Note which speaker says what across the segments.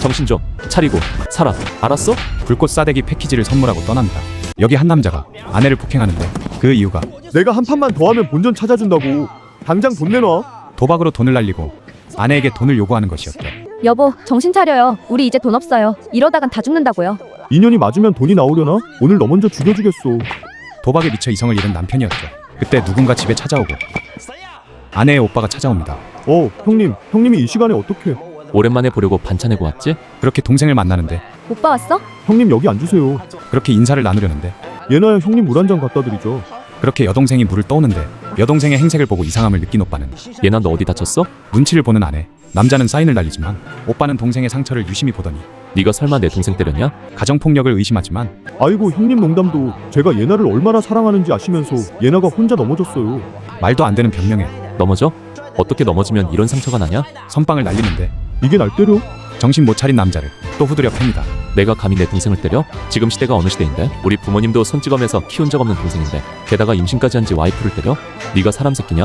Speaker 1: 정신 좀 차리고 살아. 알았어?
Speaker 2: 불꽃 싸대기 패키지를 선물하고 떠납니다. 여기 한 남자가 아내를 폭행하는데 그 이유가
Speaker 3: 내가 한 판만 더 하면 본전 찾아준다고. 당장 돈 내놔.
Speaker 2: 도박으로 돈을 날리고 아내에게 돈을 요구하는 것이었죠.
Speaker 4: 여보, 정신 차려요. 우리 이제 돈 없어요. 이러다간 다 죽는다고요.
Speaker 3: 인연이 맞으면 돈이 나오려나? 오늘 너 먼저 죽여주겠어.
Speaker 2: 도박에 미쳐 이성을 잃은 남편이었죠. 그때 누군가 집에 찾아오고 아내의 오빠가 찾아옵니다.
Speaker 3: 형님이 이 시간에 어떻게?
Speaker 1: 오랜만에 보려고 반찬 해고 왔지?
Speaker 2: 그렇게 동생을 만나는데
Speaker 4: 오빠 왔어?
Speaker 3: 형님 여기 앉으세요.
Speaker 2: 그렇게 인사를 나누려는데
Speaker 3: 예나야 형님 물 한 잔 갖다 드리죠.
Speaker 2: 그렇게 여동생이 물을 떠오는데 여동생의 행색을 보고 이상함을 느낀 오빠는
Speaker 1: 얘나 너 어디 다쳤어?
Speaker 2: 눈치를 보는 아내. 남자는 사인을 날리지만 오빠는 동생의 상처를 유심히 보더니
Speaker 1: 네가 설마 내 동생 때렸냐?
Speaker 2: 가정폭력을 의심하지만
Speaker 3: 아이고 형님 농담도 제가 예나를 얼마나 사랑하는지 아시면서 예나가 혼자 넘어졌어요.
Speaker 2: 말도 안 되는 변명에
Speaker 1: 넘어져? 어떻게 넘어지면 이런 상처가 나냐?
Speaker 2: 선빵을 날리는데
Speaker 3: 이게 날 때려?
Speaker 2: 정신 못 차린 남자를 또 후드려 팹니다.
Speaker 1: 내가 감히 내 동생을 때려? 지금 시대가 어느 시대인데? 우리 부모님도 손찌검에서 키운 적 없는 동생인데 게다가 임신까지 한 지 와이프를 때려? 네가 사람 새끼냐?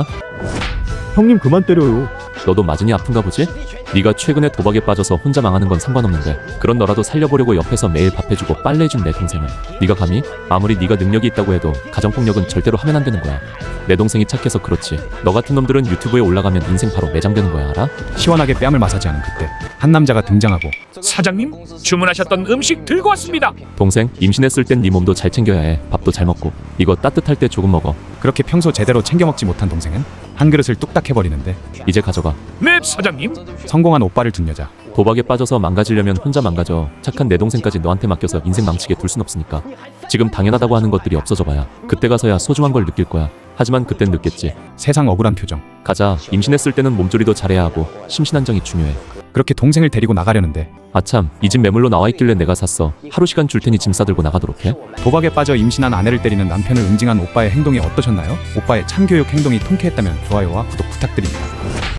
Speaker 3: 형님 그만 때려요.
Speaker 1: 너도 맞으니 아픈가 보지? 네가 최근에 도박에 빠져서 혼자 망하는 건 상관없는데 그런 너라도 살려보려고 옆에서 매일 밥해주고 빨래해준 내 동생을 네가 감히? 아무리 네가 능력이 있다고 해도 가정폭력은 절대로 하면 안 되는 거야. 내 동생이 착해서 그렇지 너 같은 놈들은 유튜브에 올라가면 인생 바로 매장되는 거야 알아?
Speaker 2: 시원하게 뺨을 마사지하는 그때 한 남자가 등장하고
Speaker 5: 사장님, 주문하셨던 음식 들고 왔습니다.
Speaker 1: 동생 임신했을 땐 네 몸도 잘 챙겨야 해. 밥도 잘 먹고 이거 따뜻할 때 조금 먹어.
Speaker 2: 그렇게 평소 제대로 챙겨 먹지 못한 동생은 한 그릇을 뚝딱 해버리는데
Speaker 1: 이제 가져가.
Speaker 5: 네, 사장님.
Speaker 2: 성공한 오빠를 둔 여자.
Speaker 1: 도박에 빠져서 망가지려면 혼자 망가져. 착한 내 동생까지 너한테 맡겨서 인생 망치게 둘 순 없으니까. 지금 당연하다고 하는 것들이 없어져 봐야 그때 가서야 소중한 걸 느낄 거야. 하지만 그땐 늦겠지.
Speaker 2: 세상 억울한 표정.
Speaker 1: 가자. 임신했을 때는 몸조리도 잘해야 하고 심신안정이 중요해.
Speaker 2: 그렇게 동생을 데리고 나가려는데
Speaker 1: 아참 이 집 매물로 나와 있길래 내가 샀어. 하루 시간 줄 테니 짐 싸들고 나가도록 해.
Speaker 2: 도박에 빠져 임신한 아내를 때리는 남편을 응징한 오빠의 행동이 어떠셨나요? 오빠의 참교육 행동이 통쾌했다면 좋아요와 구독 부탁드립니다.